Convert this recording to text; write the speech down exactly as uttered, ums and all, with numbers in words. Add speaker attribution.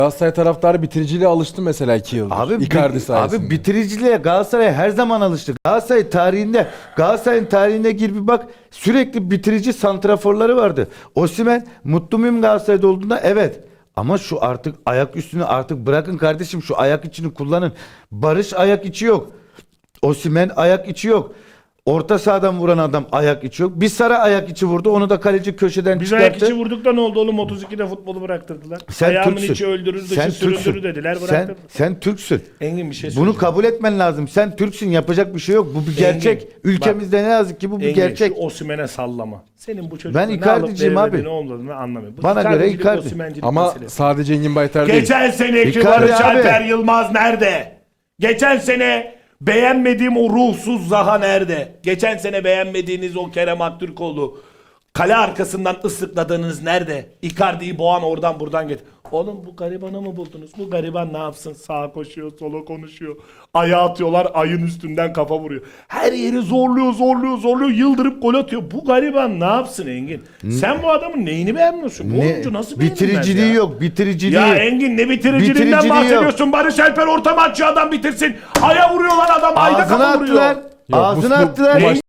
Speaker 1: Galatasaray taraftarı bitiriciliğe alıştı mesela iki yıldır.
Speaker 2: Abi,
Speaker 1: Icardi
Speaker 2: bi-
Speaker 1: sayesinde.
Speaker 2: abi bitiriciliğe Galatasaray her zaman alıştı. Galatasaray tarihinde, Galatasaray'ın tarihine gir bir bak, sürekli bitirici santraforları vardı. Osimhen mutlu muyum Galatasaray'da olduğunda? Evet. Ama şu artık ayak üstünü artık bırakın kardeşim, şu ayak içini kullanın. Barış ayak içi yok. Osimhen ayak içi yok. Orta sahadan vuran adam ayak içi yok. Bir Sara ayak içi vurdu. Onu da kaleci köşeden
Speaker 3: Biz
Speaker 2: çıkarttı.
Speaker 3: ayak içi vurduk da ne oldu oğlum? otuz ikide futbolu bıraktırdılar.
Speaker 2: Sen
Speaker 3: Ayağımın
Speaker 2: Türksün.
Speaker 3: içi öldürür, dışı
Speaker 2: Sen
Speaker 3: süründürür
Speaker 2: Türksün.
Speaker 3: dediler,
Speaker 2: Sen,
Speaker 3: bıraktırdılar.
Speaker 2: sen Türksün.
Speaker 3: Engin bir şey
Speaker 2: Bunu
Speaker 3: söyleyeceğim.
Speaker 2: kabul etmen lazım. Sen Türksün, yapacak bir şey yok. Bu bir gerçek.
Speaker 3: Engin,
Speaker 2: Ülkemizde ne yazık ki bu bir
Speaker 3: Engin,
Speaker 2: gerçek.
Speaker 3: şu Osimhen'e sallama. Senin bu çocukla
Speaker 2: Ben
Speaker 3: ne alıp
Speaker 2: Icardi'ciyim
Speaker 3: veremediğini,
Speaker 2: abi.
Speaker 3: ne olmadığını anlamıyorum. Bu
Speaker 2: Bana göre
Speaker 3: Icardi'cilik,
Speaker 2: Icardi.
Speaker 3: Osimhen'cilik
Speaker 1: Ama
Speaker 3: meselesi.
Speaker 1: sadece Engin Baytar değil.
Speaker 3: Geçen seneki
Speaker 2: Icardi
Speaker 3: Barış
Speaker 2: abi.
Speaker 3: Alper Yılmaz nerede? Geçen sene beğenmediğim o ruhsuz Zaha nerede? Geçen sene beğenmediğiniz o Kerem Aktürkoğlu, kale arkasından ıslıkladığınız nerede? Icardi'yi boğan oradan buradan get. Oğlum bu garibanı mı buldunuz? Bu gariban ne yapsın? Sağa koşuyor, sola konuşuyor. Ayağı atıyorlar, ayın üstünden kafa vuruyor. Her yeri zorluyor, zorluyor, zorluyor. Yıldırıp gol atıyor. Bu gariban ne yapsın Engin? Sen bu adamın neyini beğenmiyorsun? Bu
Speaker 2: Ne?
Speaker 3: oyuncu nasıl beğenilmez
Speaker 2: Bitiriciliği
Speaker 3: ya?
Speaker 2: yok. Bitiriciliği.
Speaker 3: Ya Engin ne bitiriciliğinden
Speaker 2: Bitiriciliği
Speaker 3: bahsediyorsun? Barış Alper orta maççı adam bitirsin. Aya vuruyorlar adam, ayda
Speaker 2: Ağzına
Speaker 3: kafa vuruyor.
Speaker 2: attılar.
Speaker 1: Yok,
Speaker 2: Ağzına
Speaker 1: bu- bu
Speaker 2: attılar.
Speaker 1: maçta